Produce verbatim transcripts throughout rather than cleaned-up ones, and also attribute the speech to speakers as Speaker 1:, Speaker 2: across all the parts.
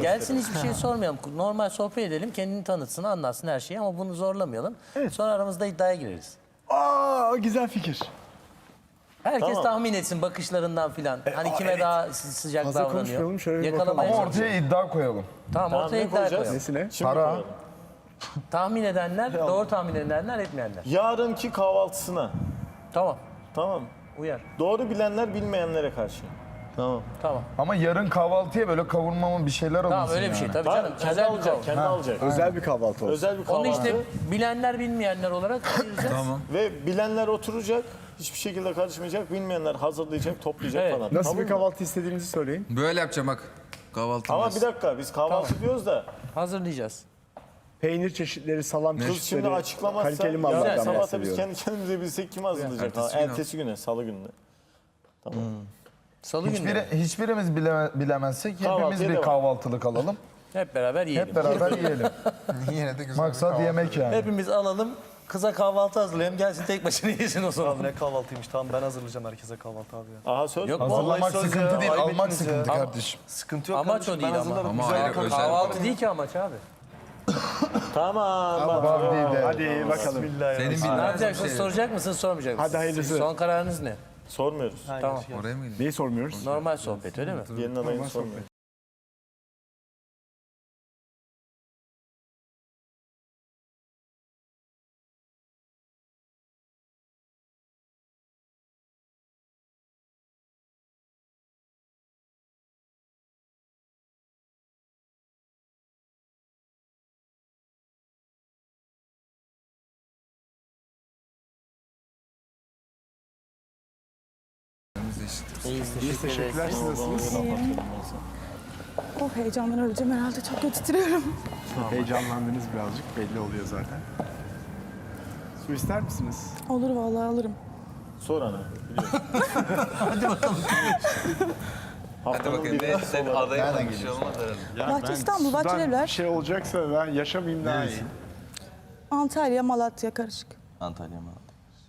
Speaker 1: Gelsin hiçbir şey sormayalım. Normal sohbet edelim. Kendini tanıtsın, anlatsın her şeyi ama bunu zorlamayalım.
Speaker 2: Evet.
Speaker 1: Sonra aramızda iddiaya gireriz.
Speaker 2: Aa, güzel fikir.
Speaker 1: Herkes
Speaker 3: Tamam.
Speaker 1: tahmin etsin bakışlarından filan. Hani
Speaker 2: aa,
Speaker 1: kime
Speaker 2: evet.
Speaker 1: daha sı- sıcak
Speaker 2: Fazla
Speaker 1: davranıyor.
Speaker 2: konuşmayalım, şöyle bir
Speaker 1: Yakalamaya
Speaker 2: bakalım.
Speaker 4: Ama
Speaker 1: çalışalım.
Speaker 4: ortaya iddia koyalım.
Speaker 1: Tamam,
Speaker 3: Tamam,
Speaker 1: ortaya
Speaker 3: ne
Speaker 1: iddia
Speaker 3: koyacağız?
Speaker 1: koyalım.
Speaker 2: Nesine?
Speaker 3: Şimdi
Speaker 4: Para.
Speaker 3: koyalım.
Speaker 1: Tahmin edenler, doğru tahmin edenler, etmeyenler.
Speaker 3: Yarınki kahvaltısına.
Speaker 1: Tamam,
Speaker 3: Tamam.
Speaker 1: uyar.
Speaker 3: Doğru bilenler bilmeyenlere karşı. Tamam.
Speaker 1: Tamam.
Speaker 4: Ama yarın kahvaltıya böyle kavurma mı bir şeyler alınsın
Speaker 1: Tamam öyle bir şey
Speaker 4: yani.
Speaker 1: tabii
Speaker 3: Tamam,
Speaker 1: canım.
Speaker 3: kendi
Speaker 1: Özel bir
Speaker 3: alacak,
Speaker 1: kahvaltı.
Speaker 3: kendi alacak.
Speaker 2: Özel bir kahvaltı olsun.
Speaker 3: Özel bir kahvaltı.
Speaker 1: Onu işte bilenler bilmeyenler olarak ayıracağız.
Speaker 4: Tamam.
Speaker 3: Ve bilenler oturacak, hiçbir şekilde karışmayacak. Bilmeyenler hazırlayacak, toplayacak
Speaker 1: Evet.
Speaker 3: falan.
Speaker 2: Nasıl
Speaker 3: Tamam
Speaker 2: bir
Speaker 3: mı?
Speaker 2: kahvaltı istediğinizi söyleyin.
Speaker 5: Böyle yapacağım bak. Kahvaltı.
Speaker 3: Ama bir dakika, biz kahvaltı diyoruz da
Speaker 1: Hazırlayacağız.
Speaker 2: Peynir çeşitleri, salam
Speaker 3: kız
Speaker 2: çeşitleri,
Speaker 3: şimdi açıklamazsa
Speaker 2: kaliteli
Speaker 3: yarın
Speaker 2: mallardan
Speaker 3: sabah da biz
Speaker 2: bahsediyorum.
Speaker 3: kendi kendimize bilsek kim hazırlayacak?
Speaker 5: Ertesi
Speaker 3: Ha,
Speaker 5: gün
Speaker 3: Ertesi güne, salı gününe.
Speaker 1: Salı günü
Speaker 4: Hiçbiri, hiçbirimiz bile, bilemezsek
Speaker 3: Kahvaltıya
Speaker 4: hepimiz bir
Speaker 3: devam.
Speaker 4: kahvaltılık alalım.
Speaker 1: hep beraber yiyelim.
Speaker 4: Hep beraber yiyelim.
Speaker 5: Yine de güzel.
Speaker 4: Maksat yemek yani.
Speaker 1: Hepimiz alalım. Kıza kahvaltı hazırlayalım. Gelsin tek başına yesin o zaman.
Speaker 6: Abi ne kahvaltıymış, tamam ben hazırlayacağım herkese kahvaltı abi ya.
Speaker 3: Aha söz.
Speaker 1: Yok,
Speaker 4: Hazırlamak
Speaker 6: Vallahi söz
Speaker 4: sıkıntı
Speaker 6: ya,
Speaker 4: değil,
Speaker 6: ayıp
Speaker 4: almak
Speaker 6: ettiniz ya.
Speaker 4: sıkıntı
Speaker 1: Ama-
Speaker 4: kardeşim.
Speaker 6: Sıkıntı yok
Speaker 1: Amaç
Speaker 6: kardeşim,
Speaker 1: o değil
Speaker 6: ben
Speaker 1: ama.
Speaker 6: hazırlarım.
Speaker 5: Ama
Speaker 6: Güzel
Speaker 5: ayrı,
Speaker 6: kahvaltı.
Speaker 5: özel.
Speaker 1: Kahvaltı değil ki amaç abi.
Speaker 3: Tamam. bak.
Speaker 4: Var değil de.
Speaker 2: Hadi bakalım.
Speaker 6: Bismillah ya.
Speaker 5: Senin
Speaker 1: Ne
Speaker 5: bildiğin
Speaker 1: yapacaksınız?
Speaker 5: şey.
Speaker 1: Soracak mısınız, sormayacak mısınız?
Speaker 2: Hadi hayırlısı.
Speaker 1: Son kararınız ne?
Speaker 3: Sormuyoruz.
Speaker 1: Tamam.
Speaker 5: Oraya mı gidiyorsun?
Speaker 2: Neyi sormuyoruz?
Speaker 1: Normal sohbet öyle mi?
Speaker 3: Gelin adayını sormuyoruz.
Speaker 1: İyiyiz,
Speaker 2: Biz teşekkürler. Siz nasılsınız?
Speaker 7: Oh heyecandan öleceğim herhalde. Çok kötü titriyorum.
Speaker 2: Heyecanlandınız birazcık. Belli oluyor zaten. Su ister misiniz?
Speaker 7: Olur vallahi alırım.
Speaker 3: Sor ana.
Speaker 5: Hadi
Speaker 3: Haftanın
Speaker 5: bakayım.
Speaker 3: bir
Speaker 5: Ne, sen adaya bir şey olmaz herhalde.
Speaker 7: Bahçe İstanbul,
Speaker 2: sudan
Speaker 7: Bahçelievler.
Speaker 2: bir şey olacaksa ben yaşamayayım daha iyi.
Speaker 7: Antalya, Malatya karışık.
Speaker 6: Antalya mı?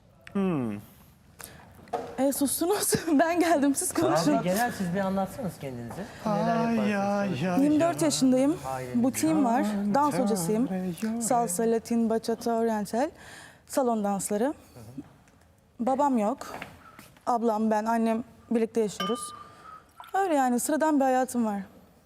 Speaker 7: E sustunuz. Ben geldim siz konuşun.
Speaker 1: Abi genel siz bir anlatsanız kendinizi. Neler yaparsınız?
Speaker 7: yirmi dört yaşındayım. Butiğim var. Dans hocasıyım. Salsa, Latin, bachata, oriental. Salon dansları. Babam yok. Ablam, ben, annem birlikte yaşıyoruz. Öyle yani sıradan bir hayatım var.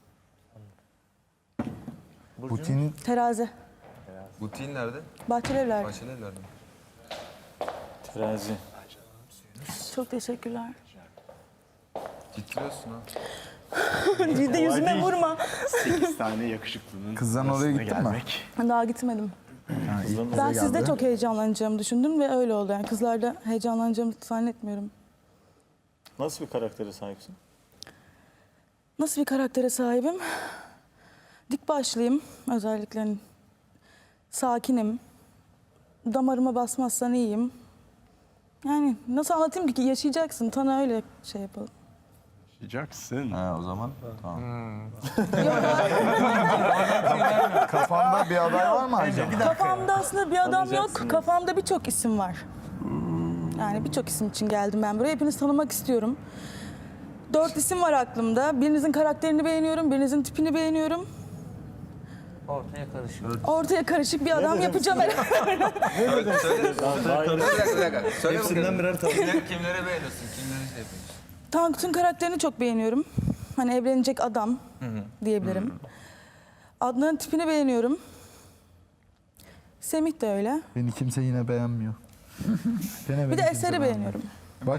Speaker 4: Putin
Speaker 7: Terazi.
Speaker 5: Butiğin nerede?
Speaker 7: Bahçelievler.
Speaker 5: Bahçelievler'de.
Speaker 3: Terazi.
Speaker 7: Çok teşekkürler.
Speaker 5: Titriyorsun ha.
Speaker 7: Bir de yüzüme vurma.
Speaker 2: sekiz tane yakışıklının
Speaker 4: Kızdan oraya
Speaker 2: arasına
Speaker 4: gittin mi?
Speaker 2: gelmek.
Speaker 7: Daha gitmedim.
Speaker 4: Ha, ilk
Speaker 7: Ben
Speaker 4: bize
Speaker 7: sizde
Speaker 4: geldi.
Speaker 7: çok heyecanlanacağımı düşündüm ve öyle oldu. Yani kızlarda heyecanlanacağımı zannetmiyorum.
Speaker 3: Nasıl bir karaktere sahipsin?
Speaker 7: Nasıl bir karaktere sahibim? Dik başlıyım özellikle. Hani sakinim. Damarıma basmazsan iyiyim. Yani nasıl anlatayım ki? Yaşayacaksın. Tanı öyle şey yapalım.
Speaker 2: Yaşayacaksın.
Speaker 6: Ha o zaman tamam.
Speaker 4: Kafanda bir aday var mı Aycan?
Speaker 7: Kafamda aslında bir adam yok. Kafamda birçok isim var. Yani birçok isim için geldim ben buraya. Hepinizi tanımak istiyorum. Dört isim var aklımda. Birinizin karakterini beğeniyorum, birinizin tipini beğeniyorum.
Speaker 1: Ortaya karışıyor.
Speaker 7: Ortaya karışık bir adam yapacağım herhalde.
Speaker 5: Söyle, söyle. Bir dakika, bir dakika. Söyle
Speaker 6: Hepsinden
Speaker 5: bakalım.
Speaker 6: birer tane.
Speaker 5: Kimleri, kimleri beğeniyorsun? Kimleri şey yapıyorsun?
Speaker 7: Tankut'un karakterini çok beğeniyorum. Hani evlenecek adam diyebilirim. Adnan'ın tipini beğeniyorum. Semih de öyle.
Speaker 4: Beni kimse yine beğenmiyor. Gene
Speaker 7: Bir
Speaker 4: beni
Speaker 7: de
Speaker 4: kimse
Speaker 7: Eser'i beğeniyorum.
Speaker 4: Bak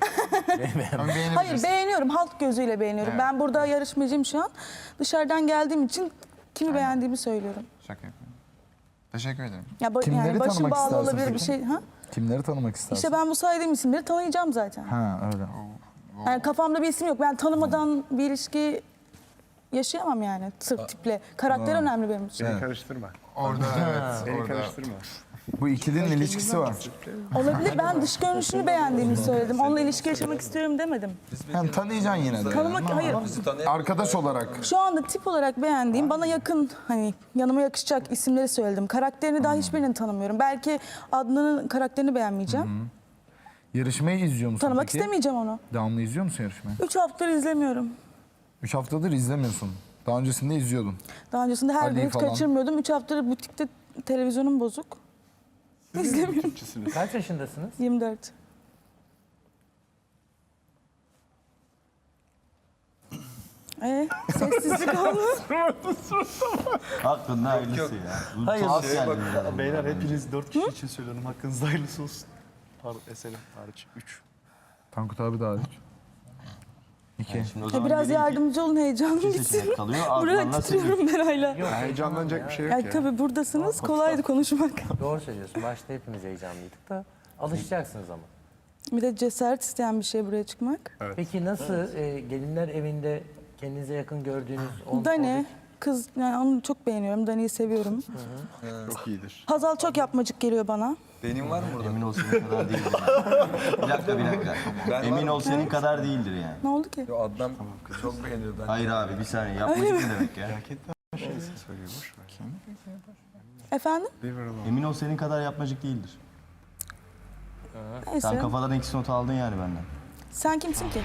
Speaker 7: Hayır beğeniyorum, halk gözüyle beğeniyorum. Ben burada yarışmacıyım şu an. Dışarıdan geldiğim için kimi beğendiğimi söylüyorum.
Speaker 5: Şaka yapıyorum. Teşekkür ederim.
Speaker 7: Ya ba-
Speaker 4: Kimleri
Speaker 7: yani başım
Speaker 4: tanımak
Speaker 7: bağlı
Speaker 4: istersin
Speaker 7: olabilir bir
Speaker 4: peki?
Speaker 7: şey. Ha?
Speaker 4: kimleri tanımak istersin?
Speaker 7: İşte ben bu saydığım isimleri tanıyacağım zaten.
Speaker 4: Ha öyle.
Speaker 7: Yani kafamda bir isim yok. Ben tanımadan bir ilişki yaşayamam yani sırf tiple. Karakter önemli benim için.
Speaker 2: Beni karıştırma.
Speaker 5: Orada evet.
Speaker 2: Beni
Speaker 5: Orada.
Speaker 2: karıştırma.
Speaker 4: Bu ikilinin ilişkisi var.
Speaker 7: Olabilir. Ben dış görünüşünü beğendiğimi söyledim. Onunla ilişki yaşamak istiyorum demedim.
Speaker 4: Hem tanıyacaksın yine de.
Speaker 7: Tanımak, hayır.
Speaker 5: Bizi tanıyan
Speaker 4: Arkadaş olarak.
Speaker 7: Şu anda tip olarak beğendiğim, bana yakın, hani yanıma yakışacak isimleri söyledim. Karakterini daha hiçbirini tanımıyorum. Belki Adnan'ın karakterini beğenmeyeceğim.
Speaker 4: Yarışmayı izliyor musun
Speaker 7: Tanımak
Speaker 4: peki?
Speaker 7: istemeyeceğim onu.
Speaker 4: Devamlı izliyor musun yarışmayı?
Speaker 7: Üç haftadır izlemiyorum.
Speaker 4: Üç haftadır izlemiyorsun. Daha öncesinde izliyordun.
Speaker 7: Daha öncesinde her gün
Speaker 4: Ali
Speaker 7: hiç
Speaker 4: falan.
Speaker 7: kaçırmıyordum. Üç haftadır butikte televizyonum bozuk. İzlemiyorum.
Speaker 2: Türkçesiniz.
Speaker 1: Kaç yaşındasınız?
Speaker 7: yirmi dört. Ee, sessizlik oldu.
Speaker 6: Hakkında hayırlısı ya. Bu
Speaker 1: Hayır,
Speaker 6: tuhaf
Speaker 1: şey
Speaker 6: geldi
Speaker 1: bak,
Speaker 6: biraz. Beyler hepiniz dört kişi için söylüyorum. Hakkınızda hayırlısı olsun. Pardon eserim hariç. Üç.
Speaker 4: Tankut abi de hariç. İki.
Speaker 6: Şimdi o
Speaker 7: Ya
Speaker 6: zaman
Speaker 7: biraz
Speaker 6: geriye iki
Speaker 7: yardımcı olun, heyecanım
Speaker 6: kişi
Speaker 7: gitsin.
Speaker 6: seçenek kalıyor.
Speaker 7: Buraya
Speaker 6: Ardından
Speaker 7: titriyorum ben hala.
Speaker 2: Heyecanlanacak bir şey yok
Speaker 7: Ya
Speaker 2: ya.
Speaker 7: tabii buradasınız, kolaydı konuşmak.
Speaker 1: Doğru söylüyorsun. Başta hepimiz heyecanlıydık da alışacaksınız ama.
Speaker 7: Bir de cesaret isteyen bir şey buraya çıkmak.
Speaker 1: Peki nasıl e, gelinler evinde kendinize yakın gördüğünüz on,
Speaker 7: Dani, kız, yani onu çok beğeniyorum. Dani'yi seviyorum.
Speaker 2: Çok iyidir.
Speaker 7: Hazal çok yapmacık geliyor bana.
Speaker 5: Benim var mı burada?
Speaker 6: Emin ol senin kadar değildir. Yani. Bir dakika bir dakika.
Speaker 5: Ben
Speaker 6: Emin
Speaker 5: varım.
Speaker 6: ol senin kadar değildir yani.
Speaker 7: Ne oldu ki?
Speaker 5: Yo, Adnan çok beğeniyor ben.
Speaker 6: Hayır abi bir saniye yapmacık ne demek ya?
Speaker 2: Söylüyor boş ver.
Speaker 7: Efendim?
Speaker 2: Leave her alone.
Speaker 6: Emin ol senin kadar yapmacık değildir.
Speaker 7: Neyse.
Speaker 6: Sen kafadan eksi not aldın yani benden.
Speaker 7: Sen kimsin ki?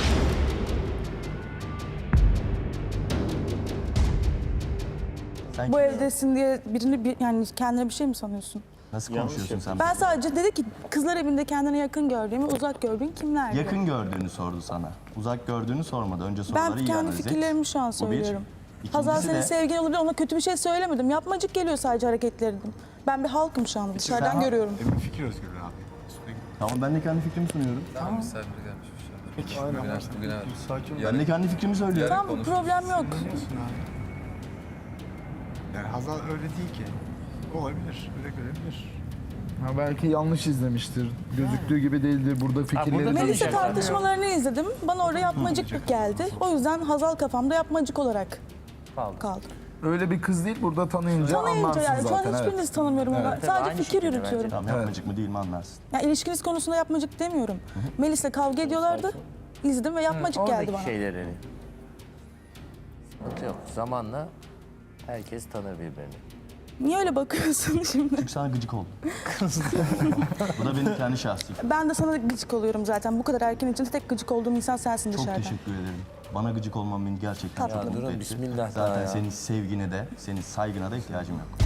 Speaker 6: Sen
Speaker 7: Bu
Speaker 6: kim-
Speaker 7: evdesin diye birini bir, yani kendine bir şey mi sanıyorsun?
Speaker 6: Nasıl
Speaker 3: Yanlış
Speaker 6: konuşuyorsun sen?
Speaker 7: Ben sadece dedi ki kızlar evinde kendine yakın gördüğümü, uzak gördüğün kimler? diye.
Speaker 6: Yakın gördüğünü sordu sana. Uzak gördüğünü sormadı. Önce soruları
Speaker 7: Ben
Speaker 6: iyi
Speaker 7: kendi
Speaker 6: analiz et.
Speaker 7: fikirlerimi şu an
Speaker 6: Bu bir.
Speaker 7: söylüyorum.
Speaker 6: İkincisi
Speaker 7: Hazal senin
Speaker 6: de-
Speaker 7: sevgin olabilir, ona kötü bir şey söylemedim. Yapmacık geliyor sadece hareketlerin. Ben bir halkım şu an, dışarıdan görüyorum.
Speaker 2: Emin fikir özgürlüğü abi. Üstüne git.
Speaker 6: Tamam ben de kendi fikrimi sunuyorum.
Speaker 5: Tamam. Misafir gelmiş bir şey.
Speaker 2: Peki.
Speaker 5: Bugün aç, bugün aç.
Speaker 6: Ben de
Speaker 5: Yarın,
Speaker 6: kendi fikrimi söylüyorum.
Speaker 7: Tamam, problem yok.
Speaker 2: Biliyorsun abi. Yani Hazal öyle değil ki. Olabilir. Öyle görebilir.
Speaker 4: Ha, belki yanlış izlemiştir. Gözüktüğü gibi değildir. Burada fikirleri
Speaker 1: burada
Speaker 7: Melisa
Speaker 1: Konuşacak.
Speaker 7: tartışmalarını izledim. Bana orada yapmacık geldi. O yüzden Hazal kafamda yapmacık olarak
Speaker 1: Kaldı.
Speaker 7: kaldı.
Speaker 4: öyle bir kız değil. Burada tanıyınca
Speaker 7: Tanıyınca
Speaker 4: anlarsın
Speaker 7: yani şu an
Speaker 4: zaten. evet.
Speaker 7: hiçbirinizi tanımıyorum. ama
Speaker 1: Tabii,
Speaker 7: Sadece
Speaker 1: aynı
Speaker 7: fikir
Speaker 1: şekilde
Speaker 7: yürütüyorum.
Speaker 6: Tamam yapmacık mı değil mi anlarsın.
Speaker 7: Ya ilişkiniz konusunda yapmacık demiyorum. Melis'le kavga ediyorlardı. İzledim ve yapmacık geldi
Speaker 1: Oradaki
Speaker 7: bana.
Speaker 1: şeyleri. Sıkıntı yok. Zamanla herkes tanır birbirini.
Speaker 7: Niye öyle bakıyorsun şimdi?
Speaker 6: Çünkü sana gıcık oldum. Bu da benim kendi şahsi.
Speaker 7: Ben de sana gıcık oluyorum zaten. Bu kadar erken içinde tek gıcık olduğum insan sensin
Speaker 6: Çok
Speaker 7: dışarıdan.
Speaker 6: teşekkür ederim. Bana gıcık olman beni gerçekten
Speaker 7: Tatlı.
Speaker 6: çok mutlu
Speaker 1: durun,
Speaker 6: etti.
Speaker 1: bismillah daha
Speaker 6: Zaten
Speaker 1: ya.
Speaker 6: senin sevgine de, senin saygına da ihtiyacım yok.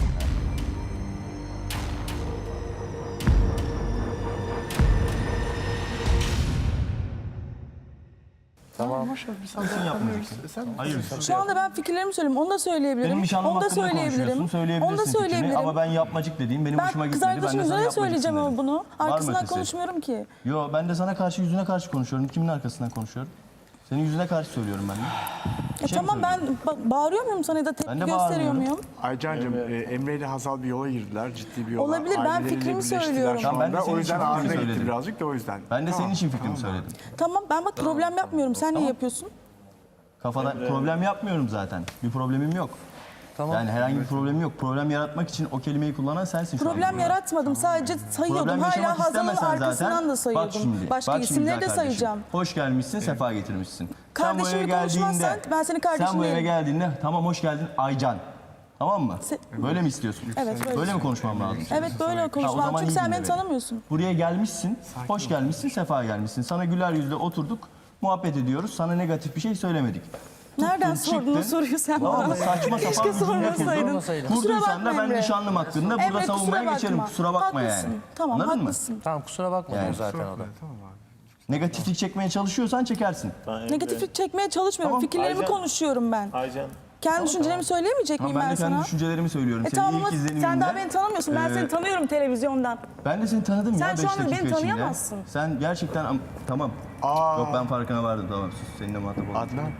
Speaker 1: Tamam.
Speaker 6: Sen yapmayacaksın. Hayır.
Speaker 7: Şu anda ben fikirlerimi söylüyorum. Onu da söyleyebilirim.
Speaker 6: Benim nişanlım
Speaker 7: Onu da
Speaker 6: hakkında
Speaker 7: söyleyebilirim.
Speaker 6: konuşuyorsun, söyleyebilirsin
Speaker 7: Onu da
Speaker 6: fikrini.
Speaker 7: söyleyebilirim.
Speaker 6: Ama ben yapmacık dediğim benim hoşuma
Speaker 7: Ben kız
Speaker 6: gitmedi. Ben de
Speaker 7: arkadaşımın
Speaker 6: sana
Speaker 7: yüzüne söyleyeceğim
Speaker 6: yapmacıksın
Speaker 7: ama
Speaker 6: dedim.
Speaker 7: bunu.
Speaker 6: Var mı
Speaker 7: Arkasından
Speaker 6: ötesi?
Speaker 7: konuşmuyorum ki.
Speaker 6: Yo ben de sana karşı yüzüne karşı konuşuyorum. Kimin arkasından konuşuyorum? Senin yüzüne karşı söylüyorum ben de.
Speaker 7: Ya
Speaker 6: şey mi
Speaker 7: tamam ben ba- bağırıyor muyum sana ya da tepki
Speaker 6: Ben de
Speaker 7: gösteriyor
Speaker 6: bağırmıyorum.
Speaker 7: muyum?
Speaker 2: Aycan'cığım e, Emre ile Hazal bir yola girdiler. Ciddi bir yola.
Speaker 7: Olabilir, ben
Speaker 2: Aileleriyle
Speaker 7: fikrimi
Speaker 2: birleştiler
Speaker 7: söylüyorum.
Speaker 2: Şu
Speaker 6: Tamam, ben de
Speaker 2: anda.
Speaker 6: senin
Speaker 2: O yüzden
Speaker 6: için fikrimi
Speaker 2: ağrına gitti
Speaker 6: söyledim.
Speaker 2: birazcık da o yüzden.
Speaker 6: Ben de
Speaker 2: Tamam.
Speaker 6: senin için fikrimi söyledim.
Speaker 7: Tamam ben bak problem yapmıyorum. Sen niye yapıyorsun?
Speaker 6: Kafada problem yapmıyorum zaten. Bir problemim yok.
Speaker 1: Tamam.
Speaker 6: Yani herhangi bir problemim yok. Problem yaratmak için o kelimeyi kullanan sensin şu an.
Speaker 7: Problem yaratmadım. Sadece sayıyordum.
Speaker 6: Problem
Speaker 7: Hala
Speaker 6: yaşamak
Speaker 7: Hazal'ın
Speaker 6: istemesen
Speaker 7: arkasından
Speaker 6: zaten.
Speaker 7: da sayıyordum.
Speaker 6: Bak şimdi.
Speaker 7: Başka
Speaker 6: bak şimdi
Speaker 7: isimleri
Speaker 6: güzel
Speaker 7: de
Speaker 6: kardeşim.
Speaker 7: sayacağım.
Speaker 6: Hoş gelmişsin, sefa getirmişsin.
Speaker 7: Kardeşimle
Speaker 6: sen bu eve
Speaker 7: konuşmazsan
Speaker 6: geldiğinde,
Speaker 7: ben senin kardeşin
Speaker 6: sen bu eve
Speaker 7: değilim.
Speaker 6: geldiğinde tamam hoş geldin Aycan. Tamam mı?
Speaker 7: Se-
Speaker 6: Böyle mi istiyorsun?
Speaker 7: Evet, böyle.
Speaker 6: Böyle mi konuşmam lazım?
Speaker 7: Evet böyle
Speaker 6: Ha, o
Speaker 7: konuşmam.
Speaker 6: zaman
Speaker 7: Çünkü
Speaker 6: iyi
Speaker 7: sen
Speaker 6: dinle
Speaker 7: beni
Speaker 6: beni.
Speaker 7: tanımıyorsun.
Speaker 6: Buraya gelmişsin, hoş gelmişsin, sefa gelmişsin. Sana güler yüzle oturduk, muhabbet ediyoruz. Sana negatif bir şey söylemedik.
Speaker 7: Nereden
Speaker 6: Tuttun,
Speaker 7: sordun o
Speaker 6: çıktın.
Speaker 7: soruyu sen
Speaker 6: Tamam
Speaker 7: bana?
Speaker 6: mı? Saçma
Speaker 7: Keşke
Speaker 6: sapan bir cümle
Speaker 7: sormasaydın.
Speaker 1: Sormasaydın.
Speaker 7: Kusura
Speaker 6: Kurduysan da
Speaker 7: bakma
Speaker 6: ben
Speaker 7: Emre.
Speaker 6: nişanlım hakkında burada
Speaker 7: Emre,
Speaker 6: savunmaya
Speaker 7: kusura
Speaker 6: geçerim.
Speaker 7: bakma.
Speaker 6: Kusura bakma
Speaker 7: Haklısın.
Speaker 6: yani.
Speaker 7: Tamam
Speaker 6: Anladın mı?
Speaker 7: haklısın.
Speaker 1: Tamam kusura bakmayın
Speaker 6: Yani.
Speaker 1: zaten o da.
Speaker 6: Negatiflik çekmeye çalışıyorsan çekersin.
Speaker 3: Ben Emre-
Speaker 7: Negatiflik çekmeye çalışmıyorum.
Speaker 6: Tamam.
Speaker 7: Fikirlerimi
Speaker 3: Aycan.
Speaker 7: konuşuyorum ben.
Speaker 3: Aycan.
Speaker 7: Kendi düşüncelerimi söyleyemeyecek
Speaker 6: Tamam,
Speaker 7: miyim
Speaker 6: ben
Speaker 7: ben
Speaker 6: de kendi
Speaker 7: sana?
Speaker 6: düşüncelerimi söylüyorum.
Speaker 7: E
Speaker 6: Senin
Speaker 7: tamam ama
Speaker 6: ilk izleniminde...
Speaker 7: sen daha beni tanımıyorsun. Ben
Speaker 6: Ee,
Speaker 7: seni tanıyorum televizyondan.
Speaker 6: Ben de seni tanıdım
Speaker 7: Sen
Speaker 6: ya
Speaker 7: şu
Speaker 6: beş
Speaker 7: anda beni
Speaker 6: dakika içinde.
Speaker 7: tanıyamazsın.
Speaker 6: Sen gerçekten... am- Tamam.
Speaker 2: Aa,
Speaker 6: Yok ben farkına vardım tamam sus. Seninle muhatap oldum.
Speaker 2: Adnan.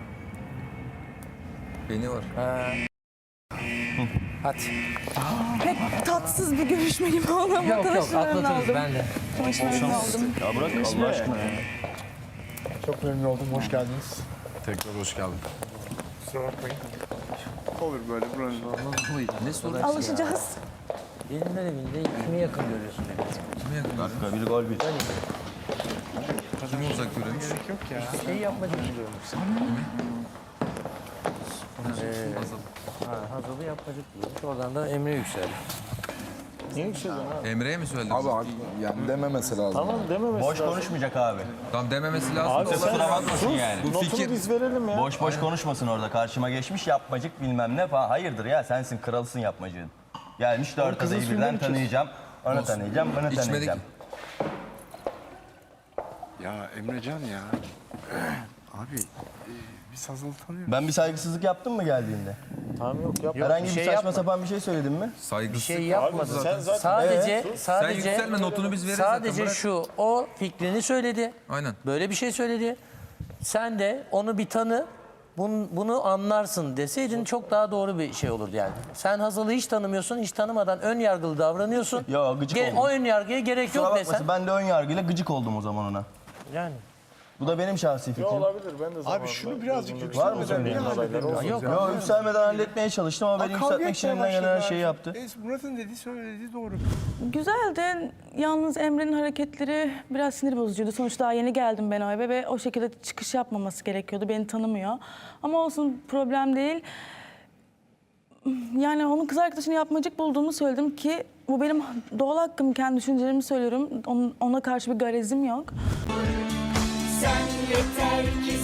Speaker 5: Beni var.
Speaker 1: Hadi.
Speaker 7: Pek tatsız bir görüşme gibi oldu ama
Speaker 1: Yok yok
Speaker 7: tanışmalarını
Speaker 1: atlatırız
Speaker 7: aldım.
Speaker 1: ben de.
Speaker 7: Tanışmalarını aldım.
Speaker 6: Ya bırak Allah aşkına ya.
Speaker 2: Çok memnun oldum. Hoş geldiniz.
Speaker 5: Tekrar hoş geldin.
Speaker 2: Kusura bakmayın. Olur böyle buranın.
Speaker 5: Ne soru?
Speaker 7: Alışacağız.
Speaker 1: Gelinler evinde kimi yakın görüyorsun?
Speaker 5: Kime yakın?
Speaker 6: Dakika bir gol bir.
Speaker 5: Kimi uzak görüyormuş?
Speaker 2: Gerek yok ya.
Speaker 1: Şeyi yapmak için görmüşsün. Ee, ha, Hazal'ı yapmacık diyormuş. Oradan da Emre yükseldi.
Speaker 3: Niye yükseldin abi?
Speaker 5: Emre'ye mi söyledin?
Speaker 4: Abi yani dememesi lazım.
Speaker 3: Tamam dememesi
Speaker 6: Boş
Speaker 3: lazım.
Speaker 6: konuşmayacak abi.
Speaker 5: Tamam dememesi lazım.
Speaker 3: Abi
Speaker 5: da
Speaker 3: sen
Speaker 6: kusura bakmasın
Speaker 3: sus,
Speaker 6: yani.
Speaker 5: Bu
Speaker 3: notunu
Speaker 5: fikir-
Speaker 3: biz verelim ya.
Speaker 6: Boş boş konuşmasın orada. Karşıma geçmiş yapmacık bilmem ne falan. Hayırdır ya sensin kralısın yapmacığın. Gelmiş dört
Speaker 3: kızın
Speaker 6: adayı
Speaker 3: suyunu
Speaker 6: birden
Speaker 3: mu içiyorsun?
Speaker 6: tanıyacağım. Onu tanıyacağım, bunu
Speaker 5: İçmedik.
Speaker 6: tanıyacağım.
Speaker 2: Ya Emrecan ya. Abi e, biz Hazal'ı tanıyoruz.
Speaker 6: Ben bir saygısızlık yaptım mı geldiğinde?
Speaker 3: Tamam yok yap.
Speaker 6: Herhangi bir
Speaker 1: şey
Speaker 6: saçma
Speaker 1: yapma.
Speaker 6: sapan bir şey söyledim mi?
Speaker 5: Saygısız.
Speaker 1: Şey yapmadı.
Speaker 3: Abi sen zaten-
Speaker 1: Sadece
Speaker 6: Evet.
Speaker 1: sadece
Speaker 5: Sen yükselme, notunu biz veririz
Speaker 1: Sadece
Speaker 5: zaten, bırak.
Speaker 1: şu o fikrini söyledi.
Speaker 5: Aynen.
Speaker 1: Böyle bir şey söyledi. Sen de onu bir tanı. Bunu, bunu anlarsın deseydin çok daha doğru bir şey olurdu yani. Sen Hazal'ı hiç tanımıyorsun, hiç tanımadan ön yargılı davranıyorsun.
Speaker 6: Ya, gıcık oldum.
Speaker 1: O ön yargıya gerek
Speaker 6: Kusura
Speaker 1: yok
Speaker 6: bakmasın,
Speaker 1: desen.
Speaker 6: ben de ön yargıyla gıcık oldum o zaman ona.
Speaker 1: Yani.
Speaker 6: Bu da benim şahsi
Speaker 3: Yok
Speaker 6: fikrim.
Speaker 3: olabilir ben de zamanında.
Speaker 2: Abi şunu birazcık
Speaker 3: gözümde
Speaker 6: Var mı
Speaker 2: yükselmeden
Speaker 6: söyleyeyim?
Speaker 2: niye halledemiyoruz
Speaker 1: Yok.
Speaker 2: ya?
Speaker 6: Yo yükselmeden halletmeye çalıştım ama beni
Speaker 2: Kavga
Speaker 6: yükseltmek için
Speaker 2: etmeye
Speaker 6: elinden gelen her
Speaker 2: başladılar.
Speaker 6: şeyi yaptı.
Speaker 2: E, Murat'ın dediği söylediği doğru.
Speaker 7: Güzeldi. Yalnız Emre'nin hareketleri biraz sinir bozucuydu. Sonuçta daha yeni geldim ben o eve ve o şekilde çıkış yapmaması gerekiyordu. Beni tanımıyor. Ama olsun problem değil. Yani onun kız arkadaşını yapmacık bulduğumu söyledim ki bu benim doğal hakkım. Kendi düşüncelerimi söylüyorum. Onun- Ona karşı bir garezim yok.
Speaker 8: Sen yeter ki